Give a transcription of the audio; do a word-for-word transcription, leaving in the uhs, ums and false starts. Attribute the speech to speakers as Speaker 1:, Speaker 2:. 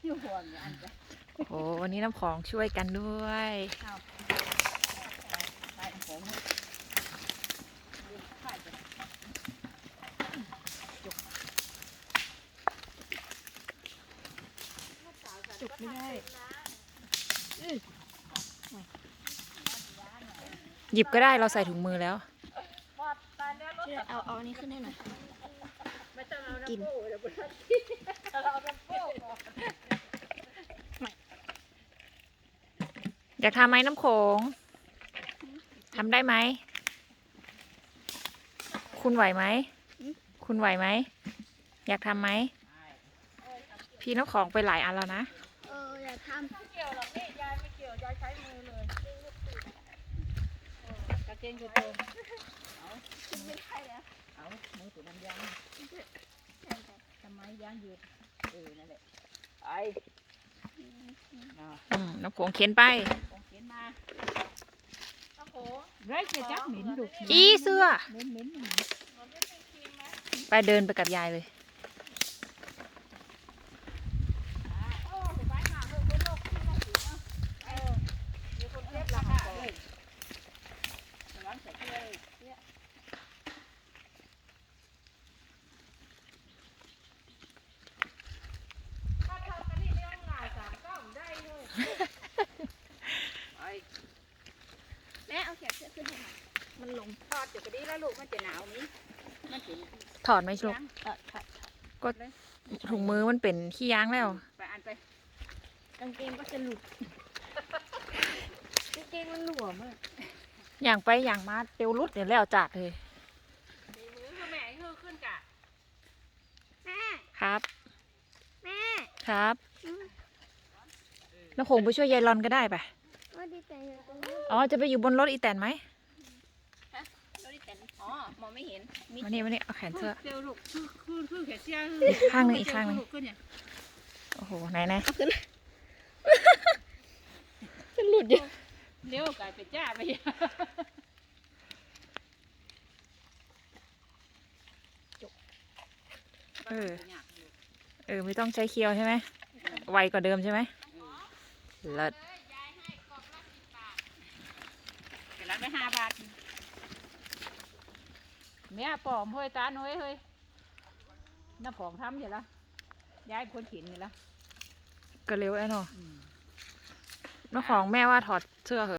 Speaker 1: อยู่ห่วงอันจะ
Speaker 2: โอ้โหวันนี้น้ำของช่วยกันด้วย
Speaker 1: ไปน้ำของจุกไม่ได้
Speaker 2: หยิบก็ได้เราใส่ถุงมือแล้ว
Speaker 3: เอาเอาอันนี้ขึ้นให้หน่อยกิน
Speaker 2: อยากทำไหมน้ำโขงทำได้ไหมคุณไหวไหมคุณไหวไหมอยากทำไหมพี่น้ำของไปหลายอันแล้วนะ
Speaker 3: เอออยากทำ
Speaker 1: ไม่เกี่ยวหรอกนี่ยายไม่เกี่ยวยายใช้มือเลยกระเจงกระโจมเอา
Speaker 3: ไม่ได้แล้ว
Speaker 1: เอามือตัวน้ำยางทำไมยางยืดเออนั่นแหละไอ้
Speaker 2: น้ำโขงเข็นไป
Speaker 1: เข็นมาน้ำโขงไรจะจับหมิ่นดุ
Speaker 2: อีเสื้อ
Speaker 1: เหม็นเหม็น
Speaker 2: ไปเดินไปกับยายเลย
Speaker 3: แม่เอาแขนเสื้อขึ้นให้หน่อยมันลง
Speaker 1: ทอดอยู่ก็ดีแล้วลูกมันจะหนาวนี้มันถึง
Speaker 2: ถอดไหมลูกก็ถุงมือมันเป็นขี้ยางแล้ว
Speaker 1: ไปอันไป
Speaker 3: กางเกงก็จะหลุดกางเกงมันหลวมอ่ะ
Speaker 2: อย่างไปอย่างมาเตียวรุดเนี่ยแล้วจัดเลย
Speaker 1: มือคือแม่คือขึ้นกะ
Speaker 3: แม่
Speaker 2: ครับ
Speaker 3: แม่
Speaker 2: ครับน้ำโขงไปช่วยยายรอนก็ได้ปะอ๋อจะไปอยู่บนรถอีแตนไหม
Speaker 1: รถอีแตนอ๋อมองไม่เห็น
Speaker 2: มานี่มานี่เอาแขนเสื้อ
Speaker 1: เตียวลูกคือคือคือแขนเสื้อ
Speaker 2: ข้างนึงอีกข้างนึงโอ้โหไหนไหน
Speaker 3: จะหลุดอยู่
Speaker 1: เลี้ยวกลายเป็นจ้าไป
Speaker 2: เออเออไม่ต้องใช้เคียวใช่ไหมไวกว่าเดิมใช่ไหมเลิศ
Speaker 1: แต่ละไม่ห้าบาทเมียปอมเฮ้ยตาหน่อยเฮ้ยน้าผองทำอยู่ละย้ายคนเข็นอยู่ละ
Speaker 2: ก็เร็วไอ้หนอน้าของแม่ว่าถอดเสื้อเหอะ